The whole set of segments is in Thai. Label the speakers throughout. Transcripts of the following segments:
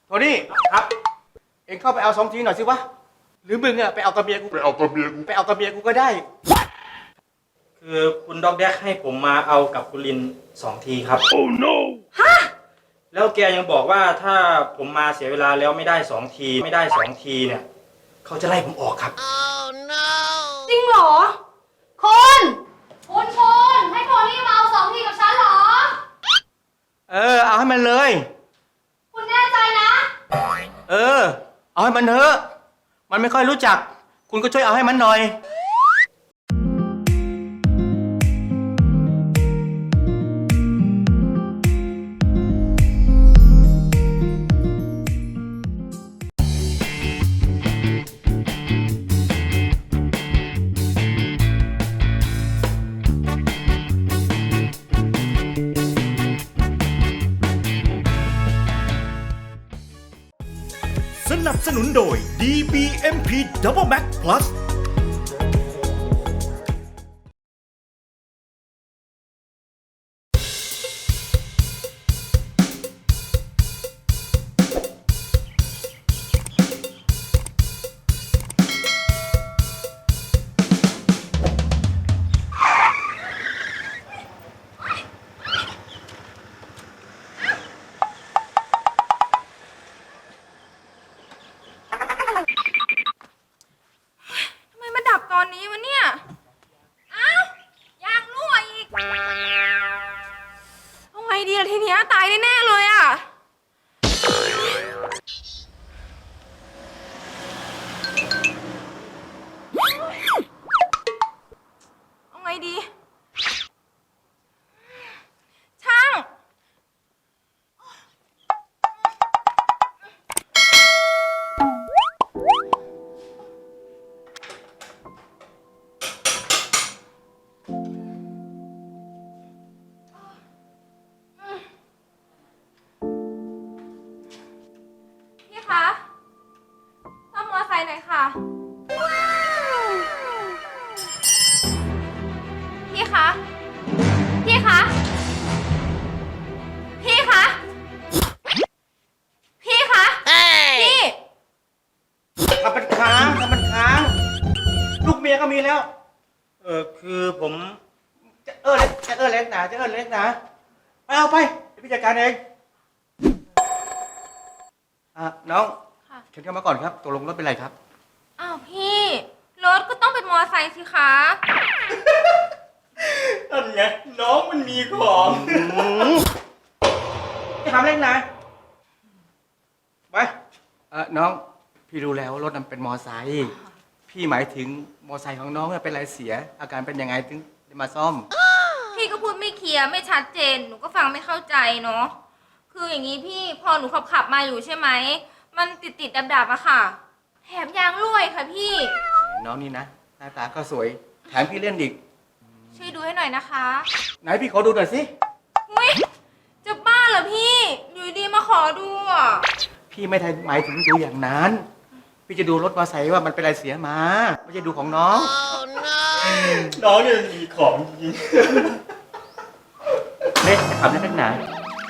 Speaker 1: โทนี่ครับเอ็งเข้าไปเอา2 ทีหน่อยสิวะหรือมึงอะไปเอากับเมียกูไปเอากับเมียกูก็ได้
Speaker 2: คือคุณด็อกแดกให้ผมมาเอากับคุณลิน2 ทีครับ
Speaker 1: Oh no
Speaker 3: ฮะ
Speaker 2: แล้วแกยังบอกว่าถ้าผมมาเสียเวลาแล้วไม่ได้2 ทีเนี่ยเขาจะไล่ผมออกครับ
Speaker 4: Oh no
Speaker 3: จริงเหรอคุณให้โทนี่มาเอา2 ทีกับฉันเหรอ
Speaker 1: เอาให้มันเลย
Speaker 3: คุณแน่ใจนะ
Speaker 1: เอาให้มันเถอะมันไม่ค่อยรู้จักคุณก็ช่วยเอาให้มันหน่อย
Speaker 5: สนับสนุนโดย DBMP Double Max Plus
Speaker 3: ทำไมมาดับตอนนี้วะเนี่ยอ้าวยางรั่วอีกเอาไงดีล่ะทีเนี้ยตายแน่ๆเลยอะเอาไงดีช่างพี่คะซ่อมมอไซค์หน่อยค่ะพี่คะพี่คะพี่คะพี่คะพี่
Speaker 1: ทำมันค้างลูกเมียก็มีแล้ว
Speaker 2: คือผม
Speaker 1: จะเล็กหนาไปเอาไปเดี๋ยวพี่จัดการเองน้อง
Speaker 3: ค่ะ
Speaker 1: เชิญเข้ามาก่อนครับตกลงรถเป็นไรครับ
Speaker 3: อ้าวพี่รถก็ต้องเป็นมอไซค์สิคะ
Speaker 2: นั่นไงน้องมันมีของ
Speaker 1: จะทำเล็กหนาไปน้องพี่รู้แล้วรถนั้นเป็นมอไซค์พี่หมายถึงมอไซค์ของน้องเป็นไรเสีย อาการเป็นยังไงถึงจะมาซ่อม
Speaker 3: พี่ก็พูดไม่เคลียร์ไม่ชัดเจนหนูก็ฟังไม่เข้าใจเนาะคืออย่างนี้พี่พอหนูขับมาอยู่ใช่ไหมมันติดดับๆอะค่ะแถมยางรั่วอีกค่ะพี่
Speaker 1: น้องนี่นะหน้าตาก็สวยแถมพี่เล่นอีก
Speaker 3: ช่วยดูให้หน่อยนะคะ
Speaker 1: ไหนพี่ขอดูหน่อยสิ
Speaker 3: อุ้ยจะบ้าเหรอพี่อยู่ดีมาขอดูอะ
Speaker 1: พี่ไม่ได้หมายถึงดูอย่างนั้น พี่จะดูรถมอไซค์ว่ามันเป็นอะไรเสียมาไม่ใช่ดูของน้อง
Speaker 4: Oh no
Speaker 2: น้องเนี่ยมีของจริง
Speaker 1: เล่นจะขับเล่นนักหนา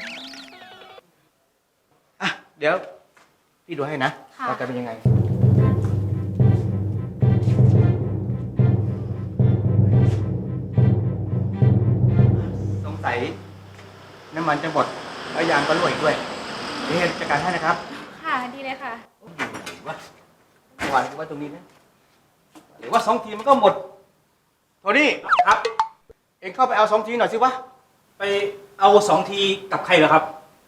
Speaker 1: เดี๋ยวพี่ดูให้นะว่าจะเป็นยังไงสงสัยน้ำมันจะหมดแล้วยางก็รั่วอีกด้วยเดี๋ยวจัดการให้นะครับ
Speaker 3: ค่ะดีเลยค่ะ
Speaker 1: ว่าเมื่อวานกูว่าตรงนี้นะหรือว่า2 ทีมันก็หมดโทนี่ครับเอ็งเข้าไปเอา2 ทีหน่อยสิวะ
Speaker 2: ไปเอา2 ทีกับใครเหรอครับ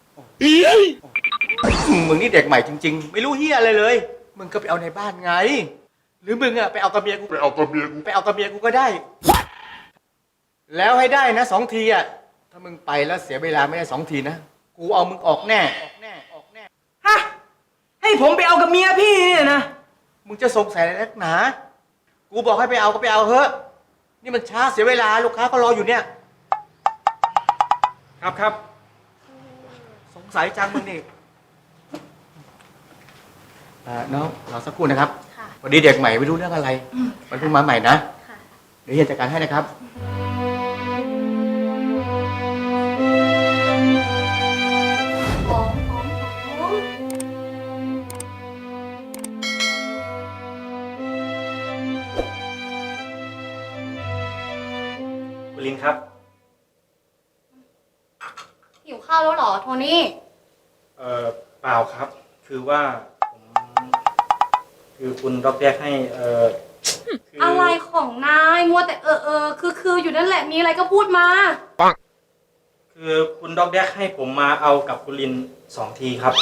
Speaker 1: มึงนี่เด็กใหม่จริงๆ ไม่รู้เฮียอะไรเลยมึงก็ไปเอาในบ้านไง หรือมึงอะไปเอากับเมียกูไปเอากับเมียกูก็ได้ แล้วให้ได้นะ2 ทีอะถ้ามึงไปแล้วเสียเวลาไม่ได้2 ทีนะกูเอามึงออกแน่
Speaker 2: ฮะ ให้ผมไปเอากับเมียพี่เนี่ยนะ
Speaker 1: มึงจะสงสัยอะไรนักหนากูบอกให้ไปเอาก็ไปเอาเถอะนี่มันช้าเสียเวลาลูกค้าก็รออยู่เนี่ย
Speaker 2: ครับ
Speaker 1: สงสัยจังมึงนี่น้องรอสักครู่นะครับ
Speaker 3: ค่ะ
Speaker 1: พอดีเด็กใหม่ไม่รู้เรื่องอะไร มันเพิ่งมาใหม่นะ
Speaker 3: ค่ะ
Speaker 1: เดี๋ยวเฮียจัดการให้นะครับ
Speaker 3: ของ
Speaker 4: ข้าวแล้วเหรอโทนี่
Speaker 2: เปล่าครับ คือว่าผมคือคุณด็อกแดกให้คือ
Speaker 4: อะไรของนายมัวแต่คืออยู่นั่นแหละมีอะไรก็พูดมา
Speaker 2: คือคุณด็อกแดกให้ผมมาเอากับคุณลิน2 ทีครับ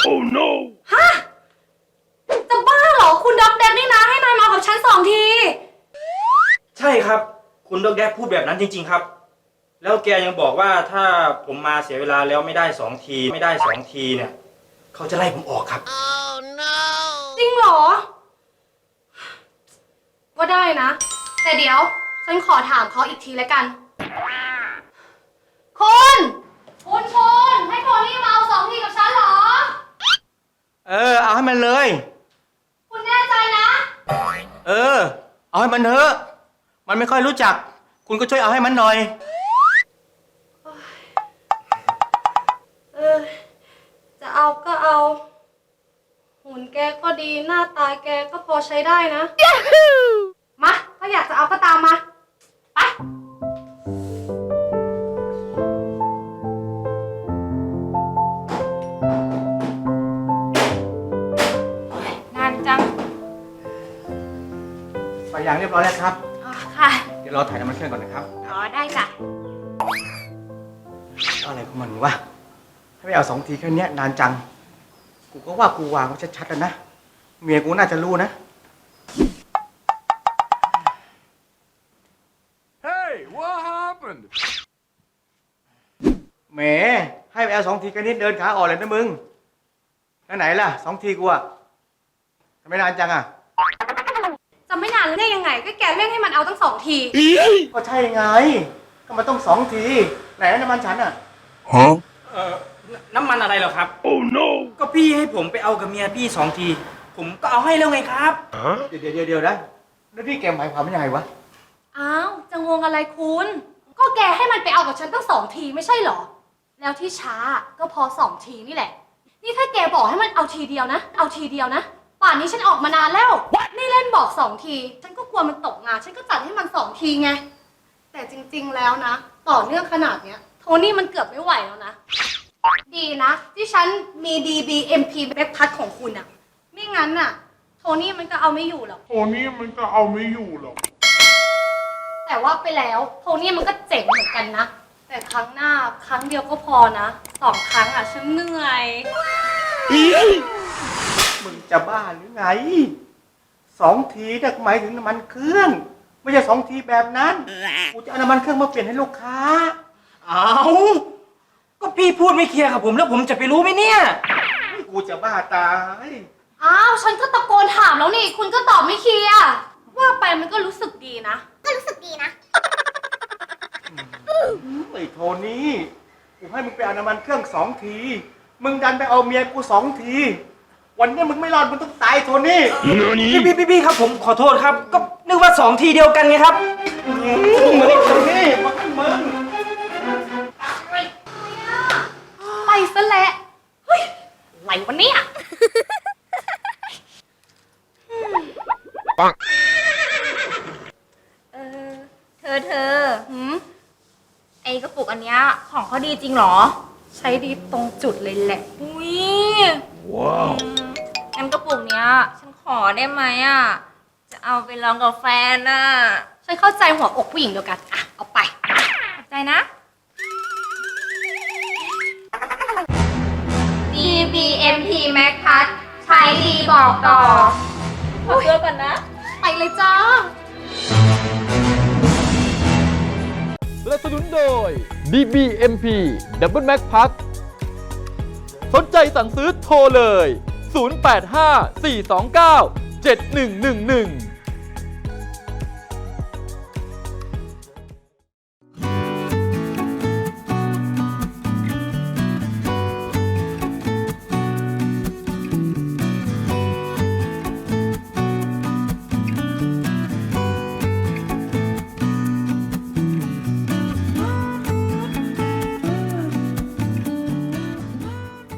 Speaker 4: จะบ้าเหรอคุณด็อกแดกนี่นะให้นายมากับฉัน2 ที
Speaker 2: ใช่ครับ คุณด็อกแดกพูดแบบนั้นจริง ๆ ครับ แล้วแกยังบอกว่าถ้าผมมาเสียเวลาแล้วไม่ได้2 ทีเนี่ยเขาจะไล่ผมออกครับ
Speaker 4: จริงเหรอ ก็ได้นะ แต่เดี๋ยวฉันขอถามเขาอีกทีแล้วกันคุณให้โทนี่มาเอา2 ทีกับฉันเหรอ
Speaker 1: เอาให้มันเลย
Speaker 4: คุณแน่ใจนะ
Speaker 1: เอาให้มันเถอะมันไม่ค่อยรู้จัก คุณก็ช่วยเอาให้มันหน่อย
Speaker 4: จะเอาก็เอา หุ่นแกก็ดีหน้าตาแกก็พอใช้ได้นะมาถ้าอยากจะเอาก็ตามมาไป
Speaker 3: นานจัง
Speaker 1: ไปอย่างเรียบร้อยแล้วครับ
Speaker 3: อ๋อค่ะ
Speaker 1: เดี๋ยวเราถ่ายน้ำมันเครื่องก่อนนะครับ
Speaker 3: อ๋อได้จ้ะ
Speaker 1: อะไรของมันวะให้ไปเอา2 ทีแค่เนี้ยนานจัง กูก็ว่ากูวางไว้ชัดๆแล้วนะ เมียกูน่าจะรู้นะ
Speaker 5: Hey, what happened?
Speaker 1: แหมให้ไปเอา2 ทีแค่นี้เดินขาอ่อนเลยนะมึง แล้วไหนล่ะ2 ทีกูอะทำไมนานจังอะ
Speaker 4: จะไม่นานได้ยังไง ก็แกเร่งให้มันเอาตั้ง2 ที
Speaker 1: ก็ใช่ไง ก็มันต้อง2 ที ไหนน้ำมันฉันอะ
Speaker 5: Huh?
Speaker 2: น้ำมันอะไรเหรอครับ
Speaker 5: Oh no!
Speaker 2: ก็พี่ให้ผมไปเอากับเมียพี่2 ที ผมก็เอาให้แล้วไงครับ
Speaker 5: Huh?
Speaker 1: เดี๋ยวนะ แล้วพี่แกหมายความว่ายังไงวะ
Speaker 4: อ้าวจะงงอะไรคุณ ก็แกให้มันไปเอากับฉันตั้ง2 ทีไม่ใช่เหรอ แล้วที่ช้าก็พอ2 ทีนี่แหละ นี่ถ้าแกบอกให้มันเอาทีเดียวนะ ป่านนี้ฉันออกมานานแล้ว นี่เล่นบอก2 ที ฉันก็กลัวมันตกงาน ฉันก็จัดให้มัน2 ทีไง แต่จริงๆแล้วนะ ต่อเนื่องขนาดเนี้ย โทนี่มันเกือบไม่ไหวแล้วนะ ดีนะที่ฉันมี DBMP แบ็คพัดของคุณอะไม่งั้นน่ะ โทนี่มันก็เอาไม่อยู่หรอก
Speaker 6: Tony มันก็เอาไม่อยู่หรอก
Speaker 4: แต่ว่าไปแล้วโทนี่มันก็เจ๋งเหมือนกันนะ แต่ครั้งหน้าครั้งเดียวก็พอนะ2 ครั้งอะฉันเหนื่อย
Speaker 1: มึงจะบ้าหรือไง2 ทีเนี่ยหมายถึงน้ำมันเครื่อง ไม่ใช่2 ทีแบบนั้น กูจะเอาน้ำมันเครื่องมาเปลี่ยนให้ลูกค้า
Speaker 2: เอาก็พี่พูดไม่เคลียร์กับผมแล้วผมจะไปรู้ไหมเนี่ย
Speaker 1: กูจะบ้าตาย
Speaker 4: อ้าวฉันก็ตะโกนถามแล้วนี่ คุณก็ตอบไม่เคลียร์ว่าไปมันก็รู้สึกดีนะ
Speaker 1: ไอ้โทนี่ กูให้มึงไปเอาน้ำมันเครื่อง2 ที มึงดันไปเอาเมียกู2 ที วันนี้มึงไม่รอดมึงต้องตายโทนี่
Speaker 5: Nani?
Speaker 2: พี่ครับผมขอโทษครับ ก็นึกว่า2 ทีเดียวกันไงครับ
Speaker 1: มึงไอ้โทนี่มึง
Speaker 4: ไปซะแล้วเฮ้ยอะไรวะเนี่ย
Speaker 3: เธอ ไอกระปุกอันเนี้ยของเขาดีจริงเหรอ
Speaker 4: ใช้ดีตรงจุดเลยแหละ
Speaker 3: อุ้ย
Speaker 5: Wow.
Speaker 3: งั้นกระปุกเนี้ย ฉันขอได้ไหมอ่ะ จะเอาไปลองกับแฟนอ่ะ
Speaker 4: ฉันเข้าใจหัวอกผู้หญิงเดียวกันอ่ะเอาไป
Speaker 3: ขอบใจนะ DBMP Max Plus ใช้ดีบอกต่อขอตัวก่อนนะ
Speaker 4: ไปเลยจ้า
Speaker 7: สนับสนุนโดย DBMP Double Max Plus สนใจสั่งซื้อโทรเลย 085 429 7111